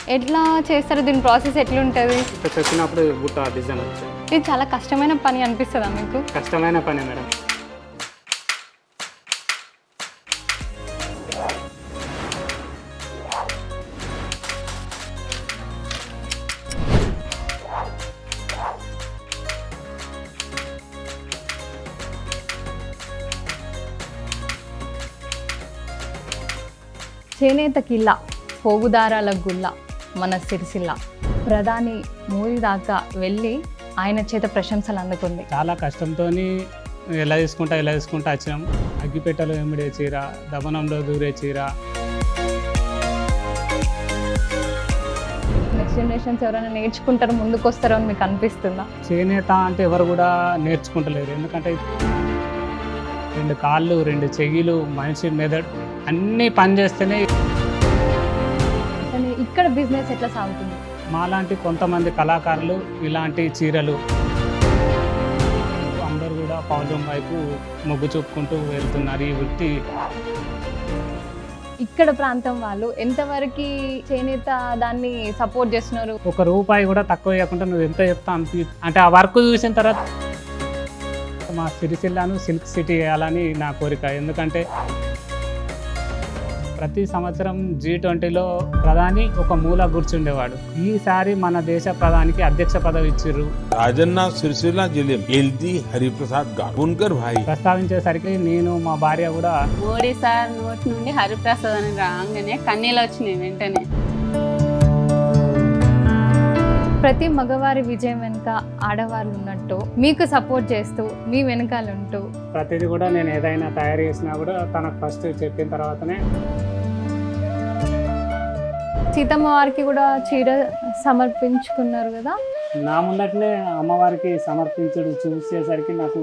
ఎట్లా చేస్తారు? దీని ప్రాసెస్ ఎట్లుంటుంది? ఇట్లా చెప్పినప్పుడు బుట్ట డిజైన్ వచ్చాయి. ఇది చాలా కష్టమైన పని అనిపిస్తుందా మీకు? కష్టమైన పనే మేడం. చేనేత కిల్ల, పోగుదారాల గుల్ల, మన సిరిసిల్ల. ప్రధాని మోదీ దాకా వెళ్ళి ఆయన చేత ప్రశంసలు అందుకుంది. చాలా కష్టంతో ఎలా తీసుకుంటా వచ్చినాం. అగ్గిపెట్టెలో ఎమిడే చీర, దమనంలో దూరే చీర. నెక్స్ట్ జనరేషన్స్ ఎవరైనా నేర్చుకుంటారో ముందుకు వస్తారో అని మీకు అనిపిస్తుందా? చేనేత అంటే ఎవరు కూడా నేర్చుకుంటలేరు. ఎందుకంటే 2 కాళ్ళు, 2 చెయ్యిలు, మనిషి మెదడు అన్నీ పనిచేస్తేనే. కానీ ఇక్కడ బిజినెస్ ఎట్లా సాగుతుంది? మాలాంటి కొంతమంది కళాకారులు ఇలాంటి చీరలు అందరూ కూడా పౌర్ణం వైపు మొగ్గు చూపుకుంటూ వెళ్తున్నారు. ఈ వృత్తి ఇక్కడ ప్రాంతం వాళ్ళు ఎంతవరకు చేనేత దాన్ని సపోర్ట్ చేస్తున్నారు? ₹1 కూడా తక్కువ ఇవ్వకుండా నువ్వు ఎంత చెప్తా అంటే ఆ వర్క్ చూసిన తర్వాత మా సిరిసిల్లాను సిల్క్ సిటీ చేయాలని నా కోరిక. ఎందుకంటే ప్రతి సంవత్సరం G20లో ప్రధాని ఒక మూల కూర్చుండేవాడు. ఈసారి మన దేశ ప్రధానికి అధ్యక్ష పదవి ఇచ్చిర్రు. రాజన్న సిరిసిల్ల జిల్లా ఎల్ది హరిప్రసాద్ గారు ఉన్కర్ భాయ్ ప్రస్తావించేసరికి నేను మా భార్య కూడా మోడీ సార్ నోటి నుండి హరిప్రసాద్ అని రాగానే కన్నీళ్ళు వచ్చినాయి వెంటనే. ప్రతి మగవారి విజయం వెనుక ఆడవాళ్ళు ఉన్నట్టు మీకు సపోర్ట్ చేస్తూ మీ వెనకాల ఉంటూ ప్రతిదీ కూడా నేను ఏదైనా తయారు చేసినా కూడా తనకు ఫస్ట్ చెప్పిన తర్వాతనే. సీతమ్మ వారికి కూడా చీర సమర్పించుకున్నారు కదా? నా ముందటనే అమ్మవారికి సమర్పించుడు చూసేసరికి నాకు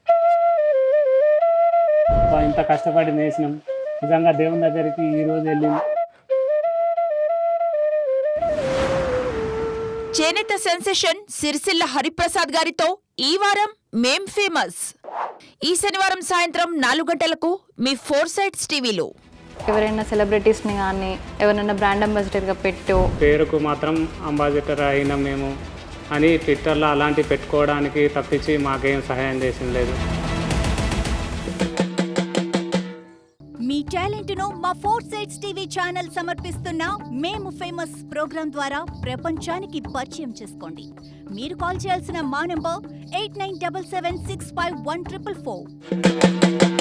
ఇంత కష్టపడి నేసినాం. నిజంగా దేవుని దగ్గరికి ఈరోజు వెళ్ళింది. చేనేత సెన్సేషన్ సిరిసిల్ల హరిప్రసాద్ గారితో ఈ వారం మేం ఫేమస్. ఈ శనివారం సాయంత్రం 4 గంటలకు మీ 4 సైడ్స్ టీవీలో. ఎవరైనా సెలబ్రిటీస్ని కానీ ఎవరైనా బ్రాండ్ అంబాసిడర్గా పెట్టో పేరుకు మాత్రం అంబాసిడర్ అయినాం మేము అని ట్విట్టర్లో అలాంటి పెట్టుకోవడానికి తప్పించి మాకేం సహాయం చేసింది లేదు. మీ టాలెంట్ను మా 4 సైడ్స్ టీవీ ఛానల్ సమర్పిస్తున్న మేము ఫేమస్ ప్రోగ్రాం ద్వారా ప్రపంచానికి పరిచయం చేసుకోండి. మీరు కాల్ చేయాల్సిన మా నంబర్ 8977651444.